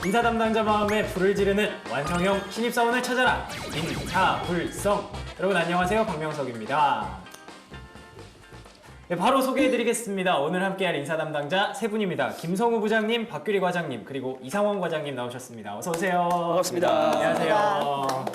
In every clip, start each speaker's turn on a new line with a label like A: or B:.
A: 인사 담당자 마음에 불을 지르는 완성형 신입사원을 찾아라. 인사불성. 여러분 안녕하세요. 박명석입니다. 네, 바로 소개해드리겠습니다. 오늘 함께할 인사 담당자 세 분입니다. 김성우 부장님, 박규리 과장님, 그리고 이상원 과장님 나오셨습니다. 어서 오세요.
B: 반갑습니다.
A: 안녕하세요.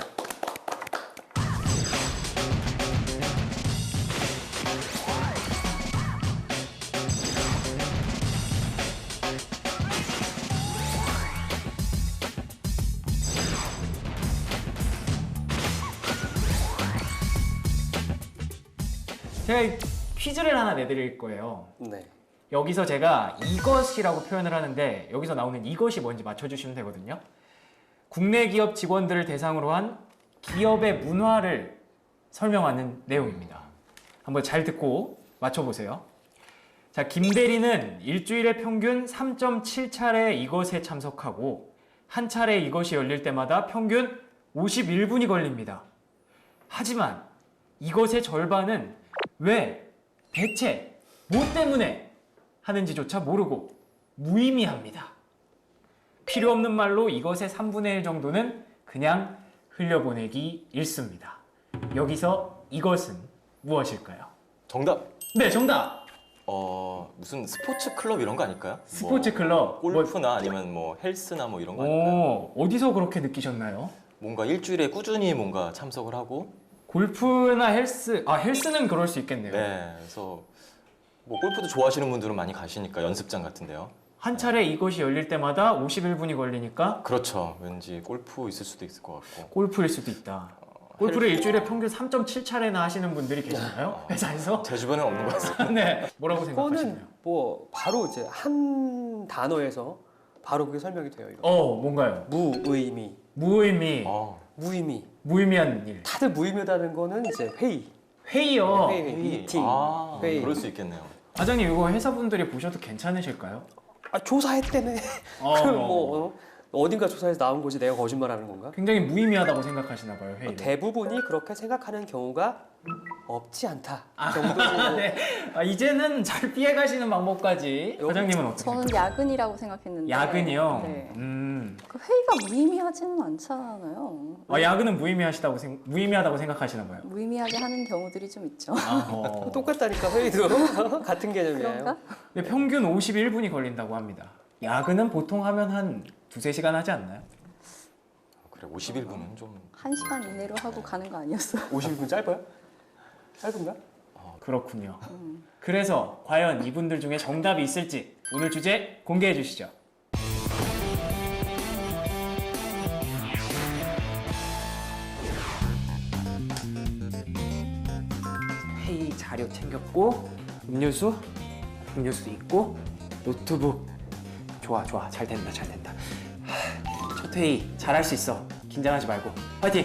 A: 제가 퀴즈를 하나 내드릴 거예요.
B: 네.
A: 여기서 제가 이것이라고 표현을 하는데 여기서 나오는 이것이 뭔지 맞춰주시면 되거든요. 국내 기업 직원들을 대상으로 한 기업의 문화를 설명하는 내용입니다. 한번 잘 듣고 맞춰보세요. 자, 김 대리는 일주일에 평균 3.7차례 이것에 참석하고 한 차례 이것이 열릴 때마다 평균 51분이 걸립니다. 하지만 이것의 절반은 왜, 대체, 뭐 때문에 하는지조차 모르고 무의미합니다. 필요 없는 말로 이것의 3분의 1 정도는 그냥 흘려보내기 일쑤입니다. 여기서 이것은 무엇일까요?
C: 정답.
A: 네, 정답!
C: 무슨 스포츠 클럽 이런 거 아닐까요?
A: 스포츠 클럽.
C: 골프나 아니면 뭐 헬스나 뭐 이런 거 아닐까요?
A: 어디서 그렇게 느끼셨나요?
C: 뭔가 일주일에 꾸준히 뭔가 참석을 하고
A: 골프나 헬스, 헬스는 그럴 수 있겠네요.
C: 네, 그래서 뭐 골프도 좋아하시는 분들은 많이 가시니까 연습장 같은데요.
A: 한 차례 이것이 열릴 때마다 51분이 걸리니까
C: 그렇죠. 왠지 골프 있을 수도 있을 것 같고.
A: 골프일 수도 있다. 골프를 일주일에 평균 3.7차례나 하시는 분들이 계시나요? 회사에서?
C: 제 주변에는 없는 것 같습니다.
A: 네. 뭐라고 생각하시나요?
B: 그거는 뭐 바로 이제 한 단어에서 바로 그게 설명이 돼요. 이거.
A: 뭔가요?
B: 무의미.
A: 무의미.
B: 무의미.
A: 무의미한 일.
B: 다들 무의미하다는 거는 이제 회의.
A: 회의요.
B: 회의. 미팅. 회의.
C: 그럴 수 있겠네요.
A: 과장님 이거 회사분들이 보셔도 괜찮으실까요?
B: 조사했대네. 그럼 뭐 어딘가 조사해서 나온 거지 내가 거짓말하는 건가?
A: 굉장히 무의미하다고 생각하시나 봐요, 회의를.
B: 대부분이 그렇게 생각하는 경우가 없지 않다. 정도로.
A: 네. 이제는 잘 피해가시는 방법까지. 과장님은 어떻게
D: 저는
A: 생각하세요?
D: 야근이라고 생각했는데.
A: 야근이요?
D: 네.
A: 음.
D: 그 회의가 무의미하지는 않잖아요.
A: 야근은 무의미하다고 생각하시나 봐요.
D: 무의미하게 하는 경우들이 좀 있죠.
B: 똑같다니까 회의도 같은 개념이에요.
D: 그런가?
A: 근데 평균 51분이 걸린다고 합니다. 야근은 보통 하면 한 두세 시간 하지 않나요?
C: 그래, 51분은 좀
D: 1시간 이내로 하고 가는 거 아니었어요?
B: 50분 짧아요? 짧은가?
A: 그렇군요. 그래서 과연 이분들 중에 정답이 있을지 오늘 주제 공개해 주시죠. 회의 자료 챙겼고 음료수도 있고 노트북. 좋아 잘 된다. 첫 회의 잘할 수 있어. 긴장하지 말고 화이팅!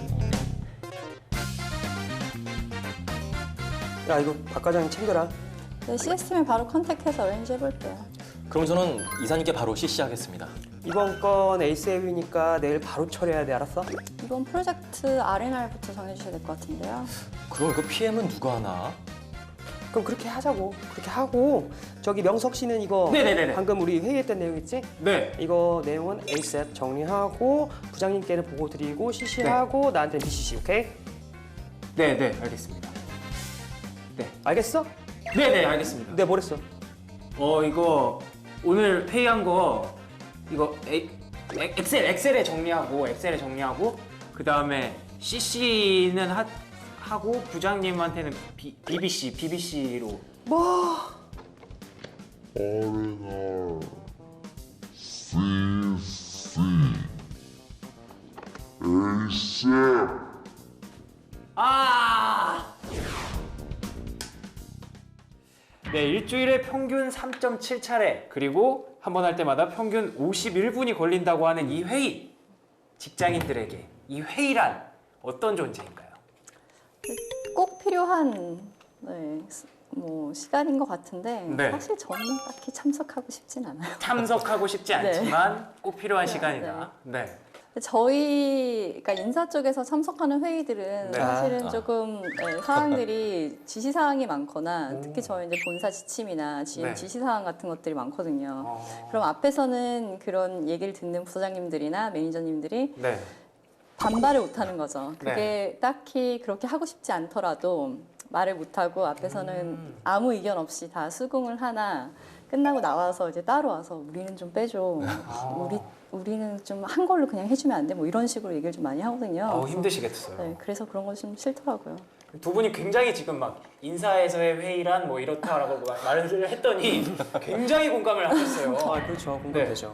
B: 야 이거 박 과장님 챙겨라.
D: 네, 시스템에 바로 컨택해서 어레인지 해볼게요.
C: 그럼 저는 이사님께 바로 CC하겠습니다.
B: 이번 건 에이스웨이니까 내일 바로 처리해야 돼. 알았어?
D: 이번 프로젝트 R&R부터 정해주셔야 될 것 같은데요.
C: 그럼 그 PM은 누가 하나?
B: 그럼 그렇게 하자고. 그렇게 하고 저기 명석 씨는 이거
A: 네네네네.
B: 방금 우리 회의했던 내용 있지?
A: 네.
B: 이거 내용은 ASAP 정리하고 부장님께는 보고 드리고 CC하고 나한테는 BCC. 오케이?
A: 네, 알겠습니다.
B: 알겠어?
A: 네, 알겠습니다.
B: 내가 뭐랬어?
A: 이거 오늘 회의한 거 이거 엑셀에 정리하고 그 다음에 CC는 하고 부장님한테는 BBC로.
B: 뭐?
E: R&R CC ASAP
A: 네, 일주일에 평균 3.7차례 그리고 한 번 할 때마다 평균 51분이 걸린다고 하는 이 회의. 직장인들에게 이 회의란 어떤 존재인가요?
D: 꼭 필요한 시간인 것 같은데
A: 네.
D: 사실 저는 딱히 참석하고 싶진 않아요.
A: 참석하고 싶지 않지만 꼭 필요한
D: 네,
A: 시간이다. 네.
D: 저희가 인사 쪽에서 참석하는 회의들은
A: 네.
D: 사실은
C: 아.
D: 조금 사항들이 지시사항이 많거나 특히 저희 이제 본사 지침이나
A: 네.
D: 지시사항 같은 것들이 많거든요.
A: 어.
D: 그럼 앞에서는 그런 얘기를 듣는 부서장님들이나 매니저님들이
A: 네.
D: 반발을 못하는 거죠. 그게
A: 네.
D: 딱히 그렇게 하고 싶지 않더라도 말을 못하고 앞에서는 아무 의견 없이 다 수긍을 하나 끝나고 나와서 이제 따로 와서 우리는 좀 빼줘. 우리는 좀 한 걸로 그냥 해주면 안 돼. 뭐 이런 식으로 얘기를 좀 많이 하거든요. 그래서,
A: 힘드시겠어요.
D: 네, 그래서 그런 거 좀 싫더라고요.
A: 두 분이 굉장히 지금 막 인사에서의 회의란 뭐 이렇다라고 말을 했더니 굉장히 공감을 하셨어요.
B: 아, 그렇죠. 공감되죠.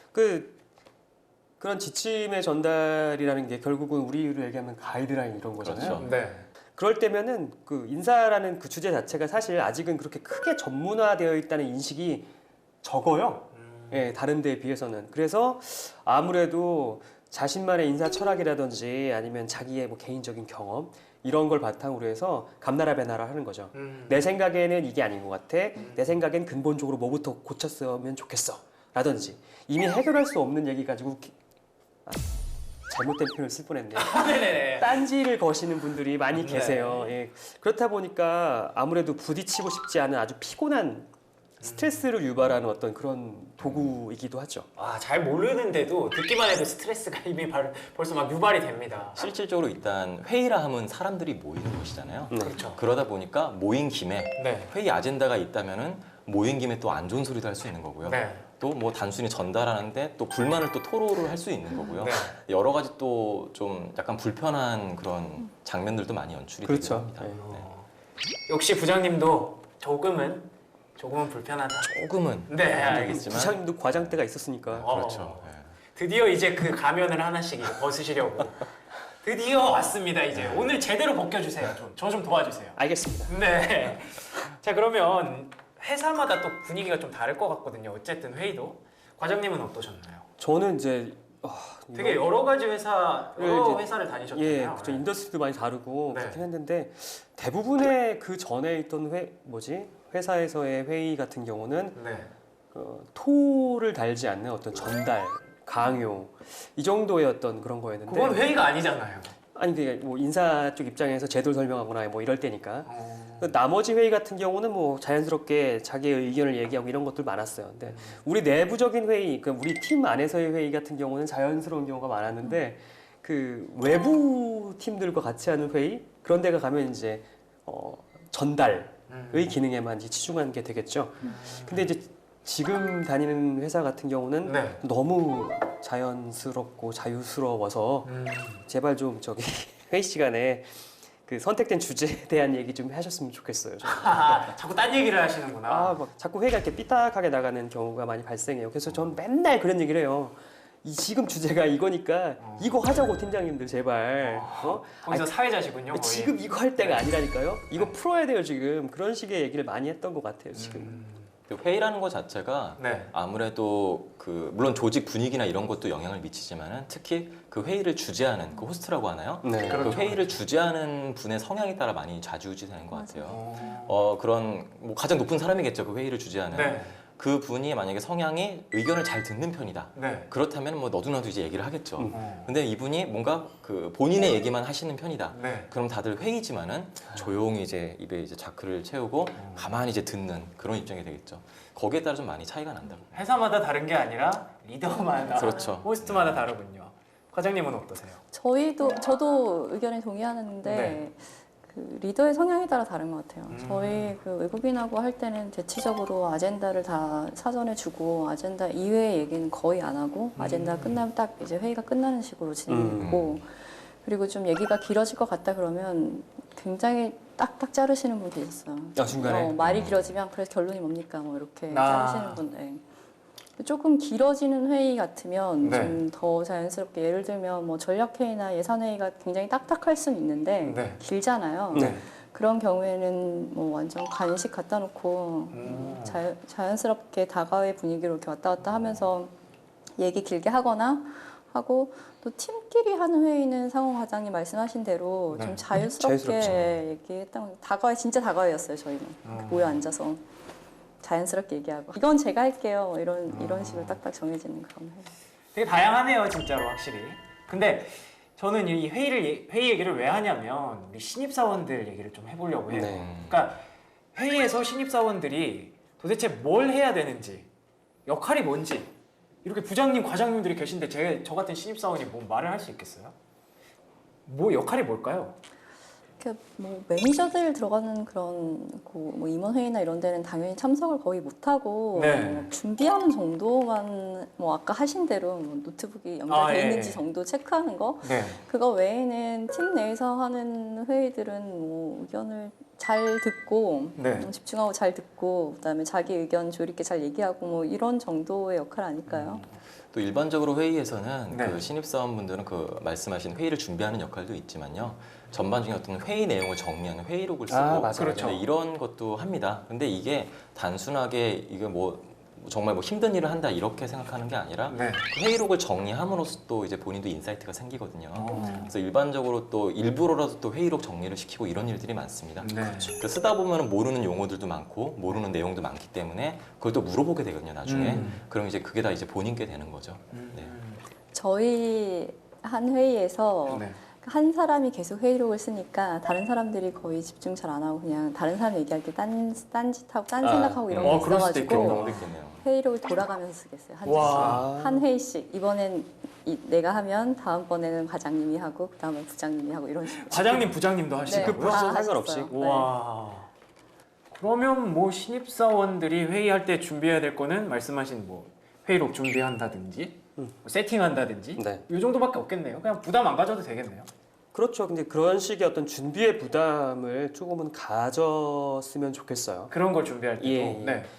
B: 그런 지침의 전달이라는 게 결국은 우리로 얘기하면 가이드라인 이런 거잖아요.
C: 그렇죠.
A: 네.
B: 그럴 때면은 그 인사라는 그 주제 자체가 사실 아직은 그렇게 크게 전문화되어 있다는 인식이 적어요. 예, 다른 데에 비해서는. 그래서 아무래도 자신만의 인사 철학이라든지 아니면 자기의 뭐 개인적인 경험 이런 걸 바탕으로 해서 감나라 배나라 하는 거죠. 내 생각에는 이게 아닌 것 같아. 내 생각엔 근본적으로 뭐부터 고쳤으면 좋겠어. 라든지 이미 해결할 수 없는 얘기 가지고 잘못된 표현을 쓸 뻔했네요.
A: 네네네.
B: 딴지를 거시는 분들이 많이
A: 네.
B: 계세요. 예. 그렇다 보니까 아무래도 부딪히고 싶지 않은 아주 피곤한 스트레스를 유발하는 어떤 그런 도구이기도 하죠.
A: 와, 잘 모르는데도 듣기만 해도 스트레스가 이미 벌써 막 유발이 됩니다.
C: 실질적으로 일단 회의라 하면 사람들이 모이는 곳이잖아요.
A: 그렇죠.
C: 그러다 보니까 모인 김에
A: 네.
C: 회의 아젠다가 있다면은 모인 김에 또 안 좋은 소리도 할 수 있는 거고요.
A: 네.
C: 또 뭐 단순히 전달하는데 또 불만을 또 토로를 할 수 있는 거고요.
A: 네.
C: 여러 가지 또 좀 약간 불편한 그런 장면들도 많이 연출이
B: 그렇죠.
C: 되기도 합니다.
B: 네.
C: 네.
A: 역시 부장님도 조금은 조금은 불편하다.
C: 조금은
A: 네,
C: 알겠지만
B: 부장님도 과장 때가 있었으니까.
C: 그렇죠. 네.
A: 드디어 이제 그 가면을 하나씩 이제 벗으시려고 드디어 왔습니다. 이제 오늘 제대로 벗겨주세요. 저 좀 도와주세요.
B: 알겠습니다.
A: 네. 자, 그러면 회사마다 또 분위기가 좀 다를 것 같거든요. 어쨌든 회의도. 과장님은 어떠셨나요?
B: 저는 이제
A: 되게 여러 가지 여러
B: 이제-
A: 회사를
B: 예,
A: 다니셨잖아요.
B: 그쵸. 인더스트리도 많이 다르고
A: 네.
B: 그렇긴 했는데 대부분의 그 전에 있던 회사에서의 회의 같은 경우는
A: 네.
B: 토를 달지 않는 어떤 전달, 강요 이 정도의 어떤 그런 거였는데
A: 그건 회의가 아니잖아요.
B: 아니 그게 뭐 인사 쪽 입장에서 제도를 설명하거나 뭐 이럴 때니까
A: 어.
B: 나머지 회의 같은 경우는 뭐 자연스럽게 자기의 의견을 얘기하고 이런 것들 많았어요. 근데 우리 내부적인 회의, 그 우리 팀 안에서의 회의 같은 경우는 자연스러운 경우가 많았는데 그 외부 팀들과 같이 하는 회의 그런 데가 가면 이제 전달의 기능에만 이제 치중하는 게 되겠죠. 근데 이제 지금 다니는 회사 같은 경우는
A: 네.
B: 너무 자연스럽고 자유스러워서 제발 좀 저기 회의 시간에 그 선택된 주제에 대한 얘기 좀 하셨으면 좋겠어요.
A: 자꾸 딴 얘기를 하시는구나.
B: 막 자꾸 회의가 이렇게 삐딱하게 나가는 경우가 많이 발생해요. 그래서 저는 맨날 그런 얘기를 해요. 지금 주제가 이거니까 이거 하자고 팀장님들 제발.
A: 거기서 사회자시군요. 거의.
B: 지금 이거 할 때가 아니라니까요. 이거 풀어야 돼요 지금. 그런 식의 얘기를 많이 했던 것 같아요 지금.
C: 회의라는 것 자체가
A: 네.
C: 아무래도 그 물론 조직 분위기나 이런 것도 영향을 미치지만은 특히 그 회의를 주재하는 그 호스트라고 하나요?
B: 네.
A: 그렇죠.
C: 그 회의를 주재하는 분의 성향에 따라 많이 좌지우지되는 것 같아요.
A: 어.
C: 그런 뭐 가장 높은 사람이겠죠. 그 회의를 주재하는
A: 네.
C: 그 분이 만약에 성향이 의견을 잘 듣는 편이다.
A: 네.
C: 그렇다면 뭐 너도나도 이제 얘기를 하겠죠.
A: 어.
C: 근데 이분이 뭔가 그 본인의 얘기만 하시는 편이다.
A: 네.
C: 그럼 다들 회의지만은 조용히 이제 입에 이제 자크를 채우고 가만히 이제 듣는 그런 입장이 되겠죠. 거기에 따라 좀 많이 차이가 난다고.
A: 회사마다 다른 게 아니라 리더마다,
C: 그렇죠.
A: 호스트마다 다르군요. 과장님은 어떠세요?
D: 저도 의견에 동의하는데
A: 네.
D: 그 리더의 성향에 따라 다른 것 같아요. 저희 그 외국인하고 할 때는 대체적으로 아젠다를 다 사전에 주고 아젠다 이외의 얘기는 거의 안 하고 아젠다 끝나면 딱 이제 회의가 끝나는 식으로 진행하고 그리고 좀 얘기가 길어질 것 같다 그러면 굉장히 딱딱 자르시는 분 계셨어요.
B: 중간에?
D: 말이 길어지면 그래서 결론이 뭡니까 뭐 이렇게
A: 아.
D: 자르시는 분. 네. 조금 길어지는 회의 같으면
A: 네.
D: 좀 더 자연스럽게 예를 들면 뭐 전략회의나 예산회의가 굉장히 딱딱할 수는 있는데
A: 네.
D: 길잖아요.
B: 네.
D: 그런 경우에는 뭐 완전 간식 갖다 놓고 자연스럽게 다가의 분위기로 이렇게 왔다 갔다 하면서 얘기 길게 하거나 하고 또 팀끼리 하는 회의는 상호 과장님 말씀하신 대로
A: 네.
D: 좀 자유스럽게
B: 자유스럽죠.
D: 얘기했던 진짜 다가회였어요 저희는 모여 앉아서 자연스럽게 얘기하고 이건 제가 할게요 뭐 이런 식으로 딱딱 정해지는 그런 회의.
A: 되게 다양하네요, 진짜로 확실히. 근데 저는 이 회의 얘기를 왜 하냐면 우리 신입사원들 얘기를 좀 해보려고 해요.
B: 네.
A: 그러니까 회의에서 신입사원들이 도대체 뭘 해야 되는지, 역할이 뭔지, 이렇게 부장님, 과장님들이 계신데 저 같은 신입사원이 뭐 말을 할 수 있겠어요? 뭐 역할이 뭘까요?
D: 뭐 매니저들 들어가는 그런 뭐 임원회의나 이런 데는 당연히 참석을 거의 못하고
A: 네.
D: 뭐 준비하는 정도만 뭐 아까 하신 대로 뭐 노트북이 연결돼
A: 예,
D: 있는지
A: 예.
D: 정도 체크하는 거
A: 네.
D: 그거 외에는 팀 내에서 하는 회의들은 뭐 의견을 잘 듣고
A: 네.
D: 집중하고 잘 듣고 그다음에 자기 의견 조리 있게 잘 얘기하고 뭐 이런 정도의 역할 아닐까요?
C: 또 일반적으로 회의에서는
A: 네.
C: 그 신입사원분들은 그 말씀하신 회의를 준비하는 역할도 있지만요. 전반적인 어떤 회의 내용을 정리하는 회의록을 쓰고
B: 맞아요.
A: 그렇죠.
C: 네, 이런 것도 합니다. 근데 이게 단순하게 이게 뭐 정말 뭐 힘든 일을 한다 이렇게 생각하는 게 아니라
A: 네.
C: 그 회의록을 정리함으로써 또 이제 본인도 인사이트가 생기거든요.
A: 어.
C: 그래서 일반적으로 또 일부러라도 또 회의록 정리를 시키고 이런 일들이 많습니다.
A: 네.
C: 그래서 쓰다 보면 모르는 용어들도 많고 모르는 내용도 많기 때문에 그걸 또 물어보게 되거든요. 나중에 그럼 이제 그게 다 이제 본인께 되는 거죠. 네.
D: 저희 한 회의에서
A: 네.
D: 한 사람이 계속 회의록을 쓰니까 다른 사람들이 거의 집중 잘 안 하고 그냥 다른 사람 얘기할 때 딴짓하고 딴 생각하고 이런 게
A: 그럴 수도
C: 그런
A: 있겠다.
C: 경우도 있겠네요.
D: 회의록을 돌아가면서 쓰겠어요.
A: 와.
D: 한 회의씩 이번엔 내가 하면 다음번에는 과장님이 하고 그다음에 부장님이 하고 이런 식으로.
A: 과장님, 부장님도
D: 네,
A: 하시고요.
B: 그 프로세스
D: 다
B: 상관없이.
D: 하셨어요. 네.
A: 와. 그러면 뭐 신입사원들이 회의할 때 준비해야 될 거는 말씀하신 뭐 회의록 준비한다든지 뭐 세팅한다든지
B: 네.
A: 이 정도밖에 없겠네요. 그냥 부담 안 가져도 되겠네요.
B: 그렇죠. 근데 그런 식의 어떤 준비의 부담을 조금은 가졌으면 좋겠어요.
A: 그런 걸 준비할 때도.
B: 예, 예.
A: 네.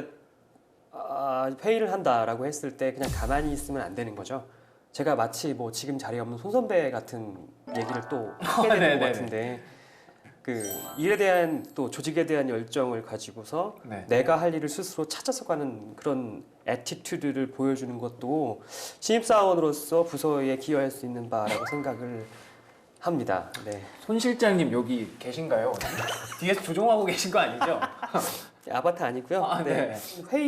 B: 회의를 한다라고 했을 때 그냥 가만히 있으면 안 되는 거죠. 제가 마치 뭐 지금 자리에 없는 손 선배 같은 얘기를 또 하게 되는
A: 네네네.
B: 것 같은데 그 일에 대한 또 조직에 대한 열정을 가지고서
A: 네.
B: 내가 할 일을 스스로 찾아서 가는 그런 애티튜드를 보여주는 것도 신입사원으로서 부서에 기여할 수 있는 바라고 생각을 합니다. 네.
A: 손 실장님 여기 계신가요? 뒤에서 조종하고 계신 거 아니죠?
B: 아바타 아니고요.
A: 아, 네.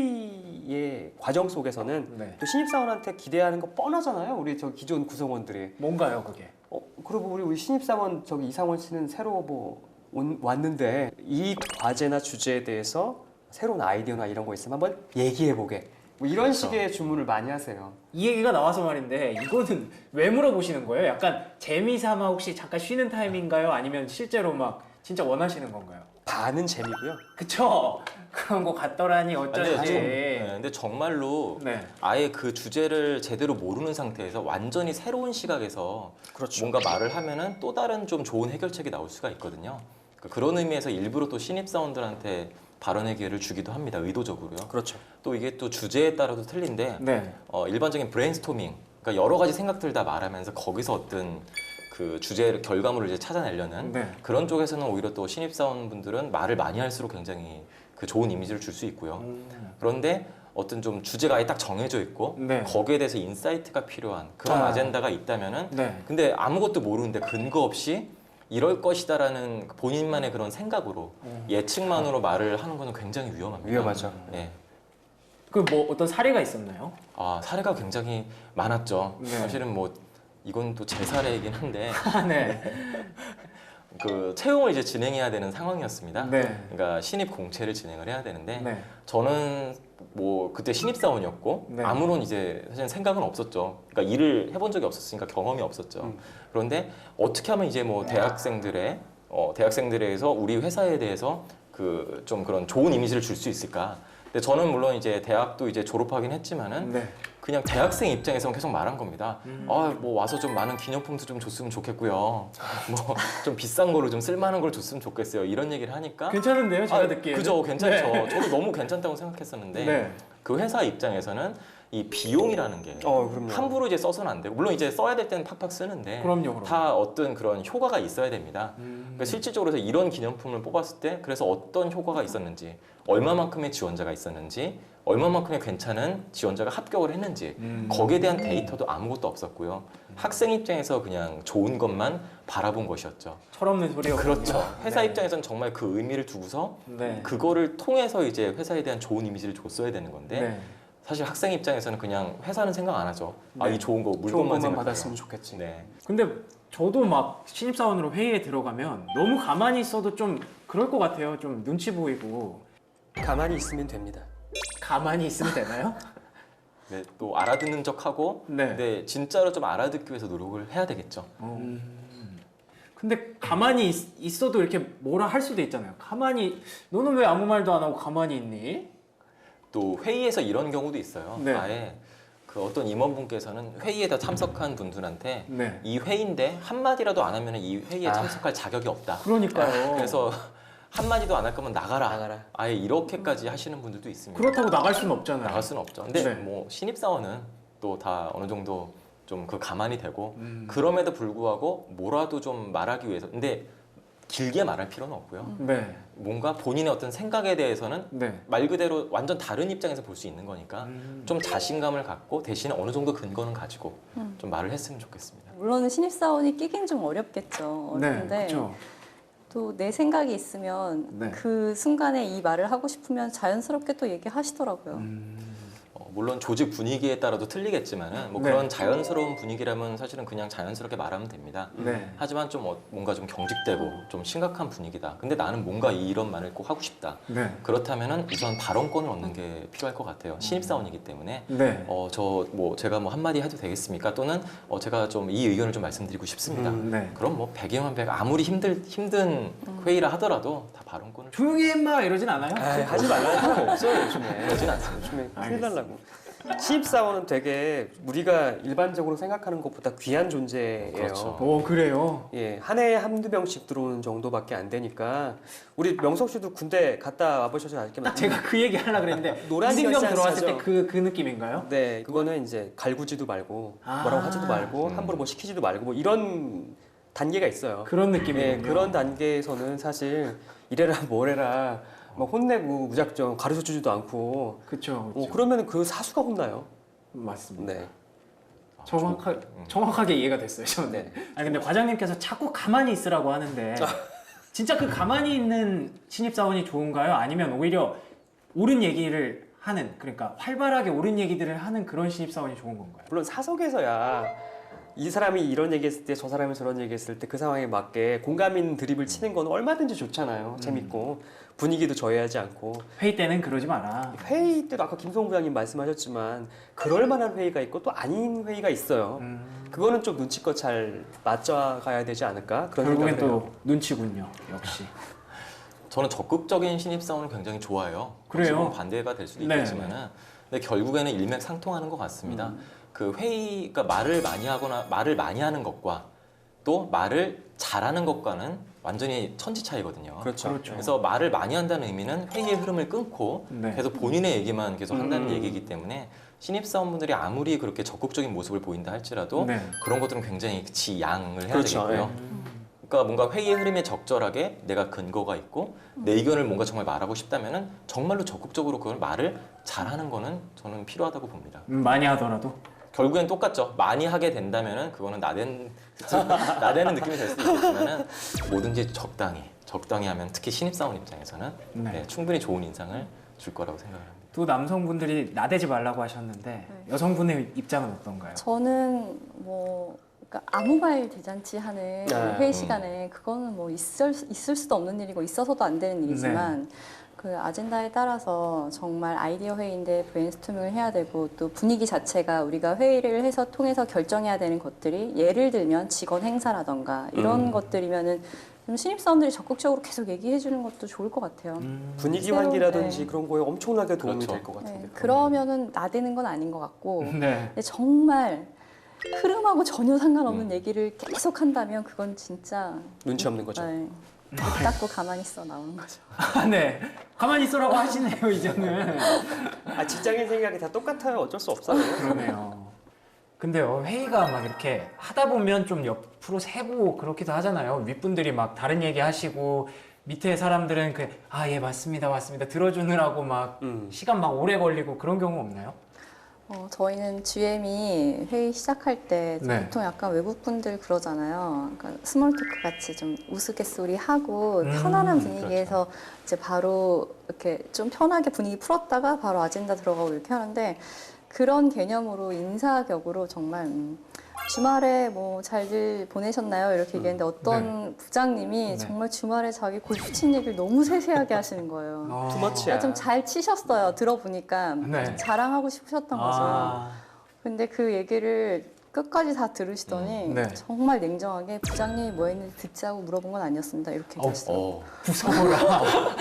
B: 회의의 과정 속에서는
A: 네.
B: 또 신입사원한테 기대하는 거 뻔하잖아요. 우리 저 기존 구성원들이.
A: 뭔가요, 그게?
B: 그리고 우리 신입사원 저기 이상원 씨는 새로 뭐 왔는데 이 과제나 주제에 대해서 새로운 아이디어나 이런 거 있으면 한번 얘기해 보게. 뭐 이런
A: 그렇죠.
B: 식의 주문을 많이 하세요.
A: 이 얘기가 나와서 말인데 이거는 왜 물어보시는 거예요? 약간 재미삼아 혹시 잠깐 쉬는 타임인가요? 아니면 실제로 막 진짜 원하시는 건가요?
B: 반은 재미고요.
A: 그쵸? 그런 거 같더라니 어쩌지.
C: 근데 정말로
A: 네.
C: 아예 그 주제를 제대로 모르는 상태에서 완전히 새로운 시각에서
B: 그렇죠.
C: 뭔가 말을 하면은 또 다른 좀 좋은 해결책이 나올 수가 있거든요. 그러니까 그런 의미에서 일부러 또 신입사원들한테 발언의 기회를 주기도 합니다. 의도적으로요.
B: 그렇죠.
C: 또 이게 또 주제에 따라도 틀린데
A: 네.
C: 일반적인 브레인스토밍, 그러니까 여러 가지 생각들 다 말하면서 거기서 어떤 그 주제 결과물을 이제 찾아내려는
A: 네.
C: 그런 쪽에서는 오히려 또 신입사원분들은 말을 많이 할수록 굉장히 그 좋은 이미지를 줄 수 있고요. 그런데 어떤 좀 주제가 아예 딱 정해져 있고
A: 네.
C: 거기에 대해서 인사이트가 필요한 그런 아젠다가 있다면은
A: 네.
C: 근데 아무것도 모르는데 근거 없이 이럴 것이다라는 본인만의 그런 생각으로 예측만으로 말을 하는 거는 굉장히 위험합니다.
B: 위험하죠.
C: 네.
A: 그 뭐 어떤 사례가 있었나요?
C: 사례가 굉장히 많았죠.
A: 네.
C: 사실은 뭐 이건 또 제 사례이긴 한데
A: 네.
C: 그 채용을 이제 진행해야 되는 상황이었습니다.
A: 네.
C: 그러니까 신입 공채를 진행을 해야 되는데
A: 네.
C: 저는 뭐 그때 신입사원이었고
A: 네.
C: 아무런 이제 사실 생각은 없었죠. 그러니까 일을 해본 적이 없었으니까 경험이 없었죠. 그런데 어떻게 하면 이제 뭐 대학생들에서 우리 회사에 대해서 그 좀 그런 좋은 이미지를 줄 수 있을까? 근데 저는 물론 이제 대학도 이제 졸업하긴 했지만은
A: 네.
C: 그냥 대학생 입장에서 계속 말한 겁니다. 뭐 와서 좀 많은 기념품도 좀 줬으면 좋겠고요. 뭐 좀 비싼 거로 좀 쓸만한 걸 줬으면 좋겠어요. 이런 얘기를 하니까
A: 괜찮은데요, 제가 듣기에는.
C: 그죠, 괜찮죠.
A: 네.
C: 저도 너무 괜찮다고 생각했었는데
A: 네.
C: 그 회사 입장에서는 이 비용이라는 게
B: 그럼요.
C: 함부로 이제 써서는 안 되고 물론 이제 써야 될 때는 팍팍 쓰는데
A: 그럼요.
C: 다 어떤 그런 효과가 있어야 됩니다. 그러니까 실질적으로 해서 이런 기념품을 뽑았을 때 그래서 어떤 효과가 있었는지 얼마만큼의 지원자가 있었는지 얼마만큼의 괜찮은 지원자가 합격을 했는지 거기에 대한 데이터도 아무것도 없었고요. 학생 입장에서 그냥 좋은 것만 바라본 것이었죠.
A: 철없는 소리였군요.
C: 그렇죠. 회사
A: 네.
C: 입장에서는 정말 그 의미를 두고서
A: 네.
C: 그거를 통해서 이제 회사에 대한 좋은 이미지를 줬어야 되는 건데
A: 네.
C: 사실 학생 입장에서는 그냥 회사는 생각 안 하죠. 아,
B: 네.
C: 이 좋은 거
B: 좋은
C: 물건만
B: 것만
C: 생각해요.
B: 받았으면 좋겠지.
C: 네.
A: 근데 저도 막 신입사원으로 회의에 들어가면 너무 가만히 있어도 좀 그럴 것 같아요. 좀 눈치 보이고.
B: 가만히 있으면 됩니다.
A: 가만히 있으면 되나요?
C: 네, 또 알아듣는 척하고
A: 네.
C: 근데 진짜로 좀 알아듣기 위해서 노력을 해야 되겠죠.
A: 근데 가만히 있어도 이렇게 뭐라 할 수도 있잖아요. 가만히 너는 왜 아무 말도 안 하고 가만히 있니?
C: 또 회의에서 이런 경우도 있어요.
A: 네.
C: 아예 그 어떤 임원분께서는 회의에 참석한 분들한테
A: 네.
C: 이 회의인데 한마디라도 안 하면 이 회의에
B: 아.
C: 참석할 자격이 없다.
A: 그러니까요.
C: 그래서 한마디도 안 할 거면 나가라.
B: 나가라.
C: 아예 이렇게까지 하시는 분들도 있습니다.
A: 그렇다고 나갈 수는 없잖아요.
C: 나갈 수는 없죠. 근데
A: 네.
C: 뭐 신입사원은 또 다 어느 정도 좀 그 가만히 되고
A: 음.
C: 그럼에도 불구하고 뭐라도 좀 말하기 위해서 근데 길게 말할 필요는 없고요.
A: 네.
C: 뭔가 본인의 어떤 생각에 대해서는
A: 네.
C: 말 그대로 완전 다른 입장에서 볼 수 있는 거니까
A: 음.
C: 좀 자신감을 갖고 대신에 어느 정도 근거는 가지고
D: 음.
C: 좀 말을 했으면 좋겠습니다.
D: 물론 신입사원이 끼긴 좀 어렵겠죠.
A: 네.
D: 어렵는데
A: 그렇죠.
D: 또 내 생각이 있으면
A: 네.
D: 그 순간에 이 말을 하고 싶으면 자연스럽게 또 얘기하시더라고요.
A: 음.
C: 물론 조직 분위기에 따라도 틀리겠지만은 뭐
A: 네.
C: 그런 자연스러운 분위기라면 사실은 그냥 자연스럽게 말하면 됩니다.
A: 네.
C: 하지만 좀 뭔가 좀 경직되고 좀 심각한 분위기다. 근데 나는 뭔가 이런 말을 꼭 하고 싶다.
A: 네.
C: 그렇다면은 우선 발언권을 얻는 게 필요할 것 같아요. 신입사원이기 때문에
A: 네.
C: 저 뭐 제가 뭐 한마디 해도 되겠습니까? 또는 제가 좀 이 의견을 좀 말씀드리고 싶습니다.
A: 네.
C: 그럼 뭐 100이면 100 아무리 힘든 회의라 하더라도 다 발언권을
A: 조용히 해 임마 이러진 않아요?
B: 아이, 하지 말라는 사람 없어요 요즘에.
C: 그러진 않습니다.
B: 요즘에 큰일
A: 알겠습니다.
B: 날라고. 신입사원은 되게 우리가 일반적으로 생각하는 것보다 귀한 존재예요.
C: 그렇죠.
A: 오 그래요.
B: 예, 한 해에 한두 명씩 들어오는 정도밖에 안 되니까 우리 명석 씨도 군대 갔다 와보셔서 알겠지만
A: 제가 그 얘기 하려고 그랬는데
B: 노란
A: 이승경
B: 열쇠
A: 들어왔을 때
B: 하죠.
A: 그 느낌인가요?
B: 네, 그거는 이제 갈구지도 말고
A: 아.
B: 뭐라고 하지도 말고
C: 음.
B: 함부로 뭐 시키지도 말고 뭐 이런 단계가 있어요.
A: 그런
B: 예,
A: 느낌이군요.
B: 그런 단계에서는 사실 이래라 뭐래라 막 혼내고 무작정 가르쳐 주지도 않고
A: 그렇죠.
B: 그러면 그 사수가 혼나요.
A: 맞습니다.
B: 네.
A: 정확하게 이해가 됐어요. 저는.
B: 네.
A: 아니 근데 과장님께서 자꾸 가만히 있으라고 하는데 진짜 그 가만히 있는 신입사원이 좋은가요? 아니면 오히려 옳은 얘기를 하는 그러니까 활발하게 옳은 얘기들을 하는 그런 신입사원이 좋은 건가요?
B: 물론 사석에서야 이 사람이 이런 얘기했을 때 저 사람이 저런 얘기했을 때 그 상황에 맞게 공감 있는 드립을 치는 건 얼마든지 좋잖아요. 재밌고 분위기도 저해하지 않고
A: 회의 때는 그러지 마라.
B: 회의 때도 아까 김성우 부장님 말씀하셨지만 그럴 만한 회의가 있고 또 아닌 회의가 있어요. 그거는 좀 눈치껏 잘 맞춰가야 되지 않을까 그런
A: 결국엔
B: 생각을 해요.
A: 또 눈치군요. 역시.
C: 저는 적극적인 신입사원을 굉장히 좋아해요.
A: 그래요?
C: 지금 반대가 될 수도
A: 네.
C: 있겠지만은 근데 결국에는 일맥상통하는 것 같습니다. 그 회의가 말을 많이 하거나 말을 많이 하는 것과 또 말을 잘하는 것과는 완전히 천지 차이거든요.
B: 그렇죠.
A: 그렇죠.
C: 그래서 말을 많이 한다는 의미는 회의의 흐름을 끊고
A: 네.
C: 계속 본인의 얘기만 계속 한다는
B: 음.
C: 얘기이기 때문에 신입사원분들이 아무리 그렇게 적극적인 모습을 보인다 할지라도
A: 네.
C: 그런 것들은 굉장히 지양을 해야
B: 그렇죠.
C: 되겠고요. 그러니까 뭔가 회의의 흐름에 적절하게 내가 근거가 있고 내 의견을 뭔가 정말 말하고 싶다면은 정말로 적극적으로 그걸 말을 잘하는 거는 저는 필요하다고 봅니다.
A: 많이 하더라도.
C: 결국엔 똑같죠. 많이 하게 된다면은 그거는 나대는 느낌이 될 수도 있겠지만은 뭐든지 적당히 하면 특히 신입사원 입장에서는
A: 네.
C: 네, 충분히 좋은 인상을 줄 거라고 생각을 합니다.
A: 또 남성분들이 나대지 말라고 하셨는데 여성분의 입장은 어떤가요?
D: 저는 뭐 그러니까 아무 말 대잔치 하는 회의 시간에 그거는 뭐 있을 수도 없는 일이고 있어서도 안 되는 일이지만 그 아젠다에 따라서 정말 아이디어 회의인데 브레인스토밍을 해야 되고 또 분위기 자체가 우리가 회의를 해서 통해서 결정해야 되는 것들이 예를 들면 직원 행사라던가 이런 것들이면은 좀 신입사원들이 적극적으로 계속 얘기해 주는 것도 좋을 것 같아요.
B: 분위기
D: 새로운,
B: 환기라든지
D: 네.
B: 그런 거에 엄청나게 도움이
C: 그렇죠.
B: 될 것 같은데.
D: 네, 그러면은 나대는 건 아닌 것 같고
A: 네.
D: 근데 정말 흐름하고 전혀 상관없는 얘기를 계속 한다면 그건 진짜
B: 눈치 없는 거죠.
D: 네, 못 닦고 가만히 있어 나오는 거죠.
A: 아, 네. 가만히 있으라고 하시네요, 이제는.
B: 직장인 생각이 다 똑같아요. 어쩔 수 없어요.
A: 그러네요. 근데요, 회의가 막 이렇게 하다 보면 좀 옆으로 새고 그렇기도 하잖아요. 윗분들이 막 다른 얘기 하시고, 밑에 사람들은 예, 맞습니다. 들어주느라고 막 시간 막 오래 걸리고 그런 경우 없나요?
D: 저희는 GM이 회의 시작할 때
A: 네.
D: 보통 약간 외국분들 그러잖아요. 그러니까 스몰 토크 같이 좀 우스갯소리 하고 편안한 분위기에서 이제 바로 이렇게 좀 편하게 분위기 풀었다가 바로 아젠다 들어가고 이렇게 하는데 그런 개념으로 인사격으로 정말 주말에 뭐 잘들 보내셨나요? 이렇게 얘기했는데 어떤 부장님이
A: 네.
D: 정말 주말에 자기 골프 친 얘기를 너무 세세하게 하시는 거예요.
B: 투머치야.
D: 좀 잘 치셨어요. 들어보니까
A: 네.
D: 자랑하고 싶으셨던 거죠.
A: 아,
D: 근데 그 얘기를 끝까지 다 들으시더니
A: 네.
D: 정말 냉정하게 부장님이 뭐 했는지 듣자고 물어본 건 아니었습니다. 이렇게 얘기하시더라고요.
A: 무서워라.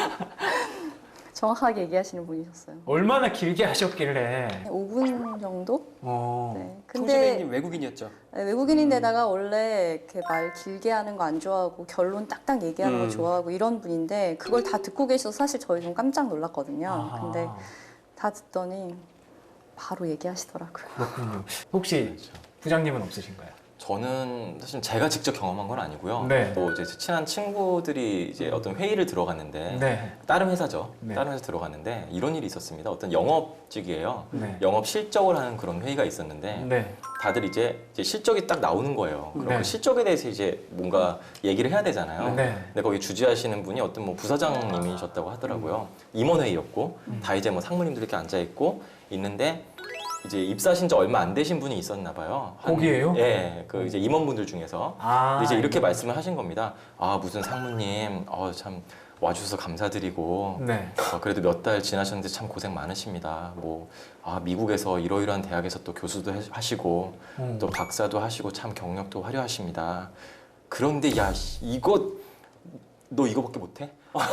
D: 정확하게 얘기하시는 분이셨어요.
A: 얼마나 길게 하셨길래.
D: 5분 정도?
A: 어.
D: 네.
B: 총수배님 외국인이었죠.
D: 네, 외국인인데다가 원래 이렇게 말 길게 하는 거 안 좋아하고 결론 딱딱 얘기하는 거 좋아하고 이런 분인데 그걸 다 듣고 계셔서 사실 저희 좀 깜짝 놀랐거든요.
A: 아하.
D: 근데 다 듣더니 바로 얘기하시더라고요.
A: 그렇군요. 혹시 부장님은 없으신가요?
C: 저는 사실 제가 직접 경험한 건 아니고요.
A: 네.
C: 또 이제 친한 친구들이 이제 어떤 회의를 들어갔는데
A: 네.
C: 다른 회사죠.
A: 네.
C: 다른 회사 들어갔는데 이런 일이 있었습니다. 어떤 영업직이에요.
A: 네.
C: 영업 실적을 하는 그런 회의가 있었는데
A: 네.
C: 다들 이제 실적이 딱 나오는 거예요. 그럼
A: 네.
C: 그 실적에 대해서 이제 뭔가 얘기를 해야 되잖아요.
A: 네.
C: 근데 거기 주재하시는 분이 어떤 뭐 부사장님이셨다고 하더라고요. 임원회의였고 다 이제 뭐 상무님들 이렇게 앉아 있고 있는데 이제 입사하신 지 얼마 안 되신 분이 있었나 봐요.
A: 거기에요?
C: 예, 그 이제 임원분들 중에서.
A: 아,
C: 근데 이제 이렇게 말씀을 하신 겁니다. 아 무슨 상무님, 참 와주셔서 감사드리고.
A: 네.
C: 그래도 몇 달 지나셨는데 참 고생 많으십니다. 미국에서 이러이러한 대학에서 또 교수도 하시고 또 박사도 하시고 참 경력도 화려하십니다. 그런데 야 이거 너 이거밖에 못해?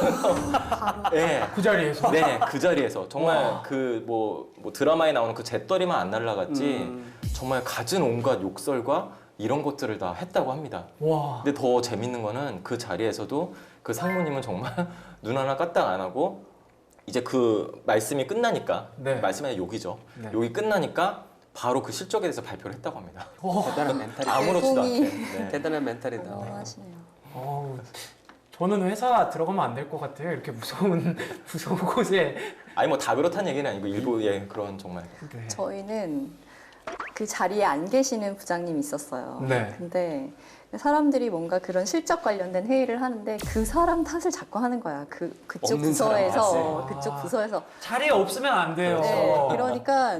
C: 네,
A: 그 자리에서.
C: 네, 그 자리에서 정말
A: 와.
C: 그 뭐 드라마에 나오는 그 잿더리만 안 날라갔지 정말 갖은 온갖 욕설과 이런 것들을 다 했다고 합니다.
A: 와.
C: 근데 더 재밌는 거는 그 자리에서도 그 상무님은 정말 눈 하나 까딱 안 하고 이제 그 말씀이 끝나니까
A: 네.
C: 말씀이 아니라 욕이죠.
A: 네.
C: 욕이 끝나니까 바로 그 실적에 대해서 발표를 했다고 합니다.
B: 대단한 멘탈이다.
C: 아무렇지도
D: 내공이-
C: 않게. 네.
B: 대단한 멘탈이다.
D: 어마어마하시네요.
A: 어우, 저는 회사 들어가면 안 될 것 같아요. 이렇게 무서운 곳에.
C: 아니 뭐 다 그렇다는 얘기는 아니고 일부의 그런 정말
A: 네.
D: 저희는 그 자리에 안 계시는 부장님이 있었어요.
A: 네.
D: 근데 사람들이 뭔가 그런 실적 관련된 회의를 하는데 그 사람 탓을 자꾸 하는 거야. 그쪽
B: 없는 사람
D: 부서에서
A: 탓을.
D: 그쪽 부서에서.
A: 자리에 없으면 안 돼요.
D: 네, 그러니까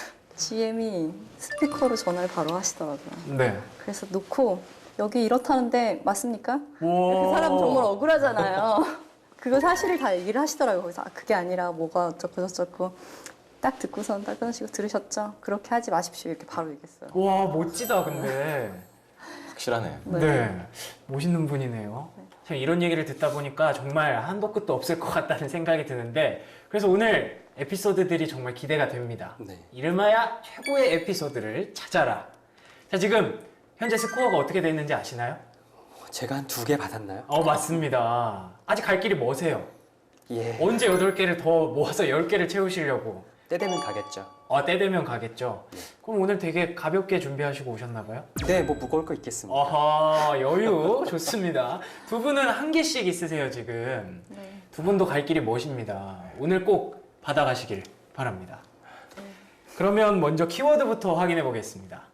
D: GM이 스피커로 전화를 바로 하시더라고요.
A: 네.
D: 그래서 놓고 여기 이렇다는데 맞습니까? 그
A: 오.
D: 사람 정말 억울하잖아요. 그거 사실을 다 얘기를 하시더라고요. 그래서 그게 아니라 뭐가 어쩌고 저쩌고 딱 듣고선 딱 끊으시고 들으셨죠? 그렇게 하지 마십시오. 이렇게 바로 얘기했어요.
A: 와, 멋지다, 근데.
C: 확실하네.
A: 네. 멋있는 분이네요. 참 이런 얘기를 듣다 보니까 정말 한도 끝도 없을 것 같다는 생각이 드는데 그래서 오늘 에피소드들이 정말 기대가 됩니다.
B: 네.
A: 이름하여 최고의 에피소드를 찾아라. 자, 지금 현재 스코어가 어떻게 됐는지 아시나요?
B: 제가 한 2개 받았나요?
A: 맞습니다. 아직 갈 길이 머세요.
B: 예.
A: 언제 8개를 더 모아서 10개를 채우시려고?
B: 때 되면 가겠죠.
A: 때 되면 가겠죠. 그럼 오늘 되게 가볍게 준비하시고 오셨나 봐요?
B: 네, 뭐 무거울 거 있겠습니다.
A: 아하, 여유 좋습니다. 두 분은 한 개씩 있으세요, 지금.
D: 네.
A: 두 분도 갈 길이 멋입니다. 오늘 꼭 받아가시길 바랍니다. 그러면 먼저 키워드부터 확인해 보겠습니다.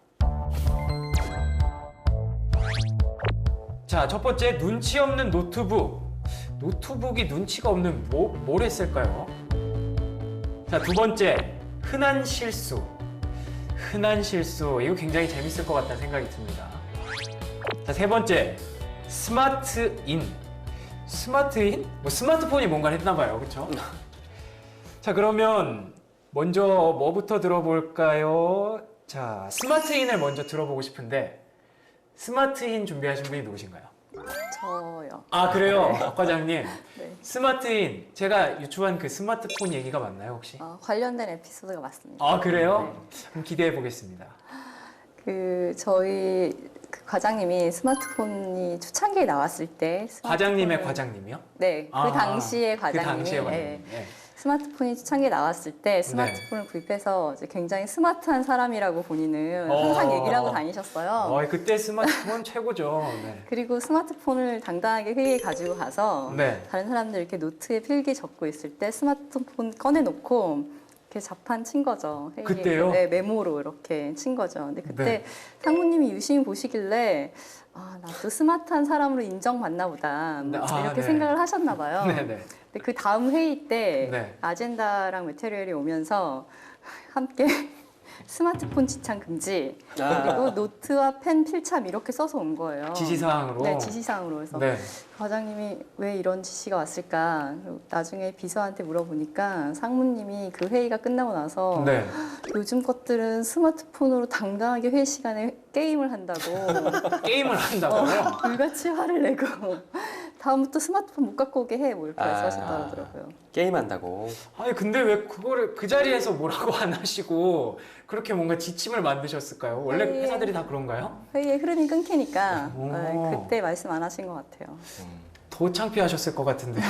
A: 자, 첫 번째, 눈치 없는 노트북. 노트북이 눈치가 없는 뭘 했을까요? 자, 두 번째, 흔한 실수. 흔한 실수. 이거 굉장히 재밌을 것 같다는 생각이 듭니다. 자, 세 번째, 스마트인. 스마트인? 뭐 스마트폰이 뭔가를 했나 봐요. 그렇죠? 자, 그러면 먼저 뭐부터 들어볼까요? 자, 스마트인을 먼저 들어보고 싶은데 스마트인 준비하신 분이 누구신가요?
D: 저요.
A: 아, 그래요? 박 과장님.
D: 네.
A: 스마트인, 제가 유추한 그 스마트폰 얘기가 맞나요, 혹시?
D: 관련된 에피소드가 맞습니다.
A: 아, 그래요? 그럼 기대해 보겠습니다.
D: 저희 그 과장님이 스마트폰이 초창기에 나왔을 때
A: 과장님의
D: 스마트폰을-
A: 과장님이요?
D: 네, 그
A: 아,
D: 당시에 과장님이
A: 그 당시에
D: 예,
A: 과장님. 네.
D: 스마트폰이 초창기에 나왔을 때 스마트폰을 구입해서 이제 굉장히 스마트한 사람이라고 본인은 항상 얘기를 하고 다니셨어요.
A: 그때 스마트폰 최고죠. 네.
D: 그리고 스마트폰을 당당하게 회의에 가지고 가서
A: 네.
D: 다른 사람들 이렇게 노트에 필기 적고 있을 때 스마트폰 꺼내놓고 이렇게 자판 친 거죠. 회의에.
A: 그때요?
D: 네, 메모로 이렇게 친 거죠. 근데 그때
A: 네.
D: 상무님이 유심히 보시길래 아, 나도 스마트한 사람으로 인정받나 보다.
A: 네,
D: 이렇게
A: 네.
D: 생각을 하셨나 봐요.
A: 네네.
D: 근데 그 다음 회의 때
A: 네.
D: 아젠다랑 메테리얼이 오면서 함께 스마트폰 지창 금지 그리고 노트와 펜 필참 이렇게 써서 온 거예요.
A: 지시사항으로.
D: 네, 지시사항으로. 그래서
A: 네.
D: 과장님이 왜 이런 지시가 왔을까? 그리고 나중에 비서한테 물어보니까 상무님이 그 회의가 끝나고 나서
A: 네.
D: 요즘 것들은 스마트폰으로 당당하게 회의 시간에 게임을 한다고
A: 게임을 한다고요?
D: 불같이 화를 내고 다음부터 스마트폰 못 갖고 오게 해 뭐 이렇게
B: 아.
D: 말씀하시더라고요.
B: 게임한다고.
A: 아니 근데 왜 그거를 그 자리에서 뭐라고 안 하시고 그렇게 뭔가 지침을 만드셨을까요? 원래
D: 네.
A: 회사들이 다 그런가요?
D: 회의의 흐름이 끊기니까
A: 오.
D: 네, 그때 말씀 안 하신 것 같아요.
A: 더 창피하셨을 것 같은데요.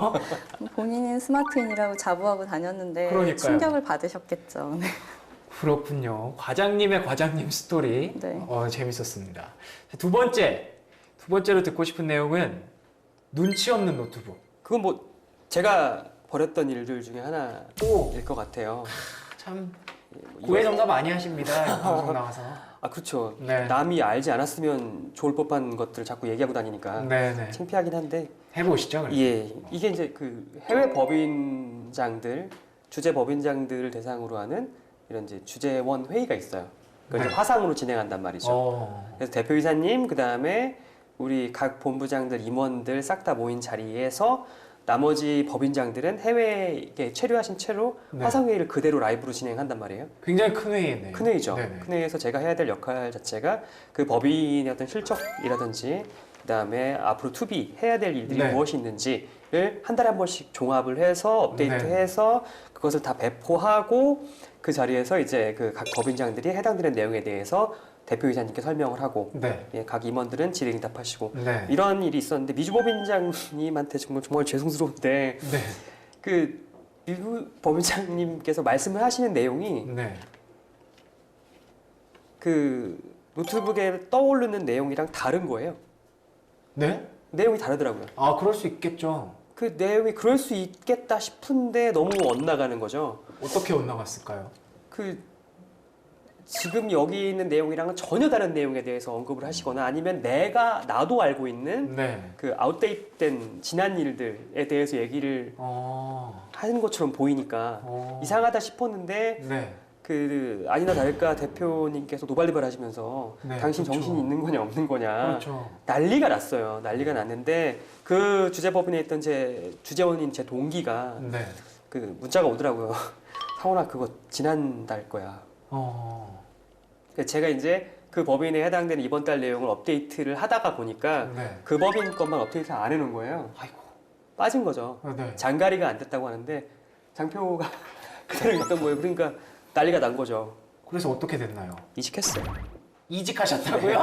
D: 본인은 스마트인이라고 자부하고 다녔는데
A: 그러니까요.
D: 충격을 받으셨겠죠. 네.
A: 그렇군요. 과장님의 과장님 스토리
D: 네.
A: 재밌었습니다. 두 번째로 듣고 싶은 내용은 눈치 없는 노트북.
B: 그건 뭐 제가 벌였던 일들 중에 하나일 것 같아요.
A: 참
B: 이거-
A: 고해성사 많이 하십니다. 이 방송 나와서.
B: 아 그렇죠.
A: 네.
B: 남이 알지 않았으면 좋을 법한 것들을 자꾸 얘기하고 다니니까
A: 네네.
B: 창피하긴 한데
A: 해보시죠. 그럼.
B: 예 이게 이제 그 해외 법인장들 주재 법인장들을 대상으로 하는 이런 이제 주재원 회의가 있어요. 그걸 이제
A: 네.
B: 화상으로 진행한단 말이죠. 그래서 대표이사님 그 다음에 우리 각 본부장들 임원들 싹 다 모인 자리에서 나머지 법인장들은 해외에 체류하신 채로
A: 네.
B: 화상회의를 그대로 라이브로 진행한단 말이에요.
A: 굉장히 큰 회의네요.
B: 큰 회의죠.
A: 네네.
B: 큰 회의에서 제가 해야 될 역할 자체가 그 법인의 어떤 실적이라든지 그다음에 앞으로 투비 해야 될 일들이
A: 네.
B: 무엇이 있는지를 한 달에 한 번씩 종합을 해서 업데이트해서 그것을 다 배포하고 그 자리에서 이제 그 각 법인장들이 해당되는 내용에 대해서 대표이사님께 설명을 하고
A: 네.
B: 예, 각 임원들은 질의응답하시고
A: 네.
B: 이런 일이 있었는데 미주 법인장님한테 정말 죄송스러운데
A: 네.
B: 그 미주 법인장님께서 말씀을 하시는 내용이
A: 네.
B: 그 노트북에 떠오르는 내용이랑 다른 거예요.
A: 네?
B: 내용이 다르더라고요.
A: 아 그럴 수 있겠죠.
B: 그 내용이 그럴 수 있겠다 싶은데 너무 엇나가는 거죠.
A: 어떻게 엇나갔을까요?
B: 그 지금 여기 있는 내용이랑은 전혀 다른 내용에 대해서 언급을 하시거나 아니면 나도 알고 있는
A: 네.
B: 그 아웃데이트된 지난 일들에 대해서 얘기를 하는 것처럼 보이니까 이상하다 싶었는데
A: 네.
B: 그 아니나 다를까 대표님께서 노발대발하시면서
A: 네,
B: 당신
A: 그렇죠.
B: 정신이 있는 거냐 없는 거냐
A: 그렇죠.
B: 난리가 났어요. 난리가 났는데 그 주재법인에 있던 제 주재원인 제 동기가
A: 네.
B: 그 문자가 오더라고요. 상훈아 그거 지난달 거야. 그래서 제가 이제 그 법인에 해당되는 이번 달 내용을 업데이트를 하다가 보니까
A: 네.
B: 그 법인 것만 업데이트 안 해놓은 거예요.
A: 아이고.
B: 빠진 거죠.
A: 네.
B: 장가리가 안 됐다고 하는데 장표가 그대로 있던 거예요. 그러니까 난리가 난 거죠.
A: 그래서 어떻게 됐나요?
B: 이직했어요.
A: 이직하셨다고요?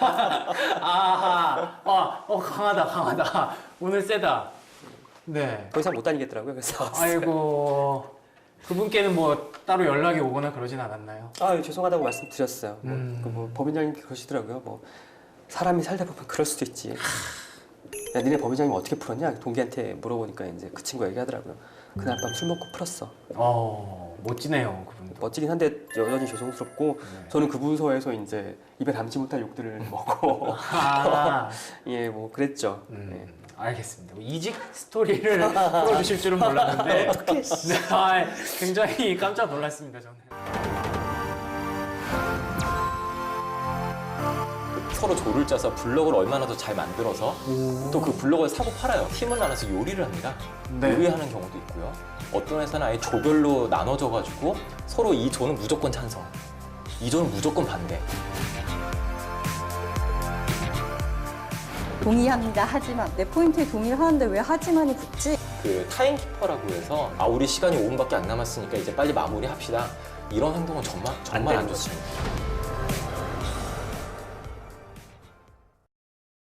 A: 아하. 강하다. 오늘 세다. 네.
B: 더 이상 못 다니겠더라고요. 그래서
A: 아이고. 그분께는 뭐 따로 연락이 오거나 그러진 않았나요?
B: 죄송하다고 말씀드렸어요. 뭐 법인장님 그러시더라고요. 뭐 사람이 살다 보면 그럴 수도 있지. 야 니네 법인장님 어떻게 풀었냐? 동기한테 물어보니까 이제 그 친구 얘기하더라고요. 그날 밤 술 먹고 풀었어.
A: 멋지네요, 그분도.
B: 멋지긴 한데 여전히 죄송스럽고
A: 네.
B: 저는 그 부서에서 이제 입에 담지 못할 욕들을 먹고 예 뭐 그랬죠. 예.
A: 알겠습니다. 이직 스토리를 풀어주실 줄은 몰랐는데
B: 어떻게
A: 네, 굉장히 깜짝 놀랐습니다, 저는.
C: 서로 조를 짜서 블럭을 얼마나 더 잘 만들어서 또 그 블럭을 사고 팔아요. 팀을 나눠서 요리를 합니다.
A: 네.
C: 요리하는 경우도 있고요. 어떤 회사는 아예 조별로 나눠져가지고 서로 이 조는 무조건 찬성, 이 조는 무조건 반대.
D: 동의합니다. 하지만 내 포인트에 동의를 하는데 왜 하지만이 붙지?
C: 그 타임키퍼라고 해서 우리 시간이 5분밖에 안 남았으니까 이제 빨리 마무리합시다. 이런 행동은 정말 안 좋습니다.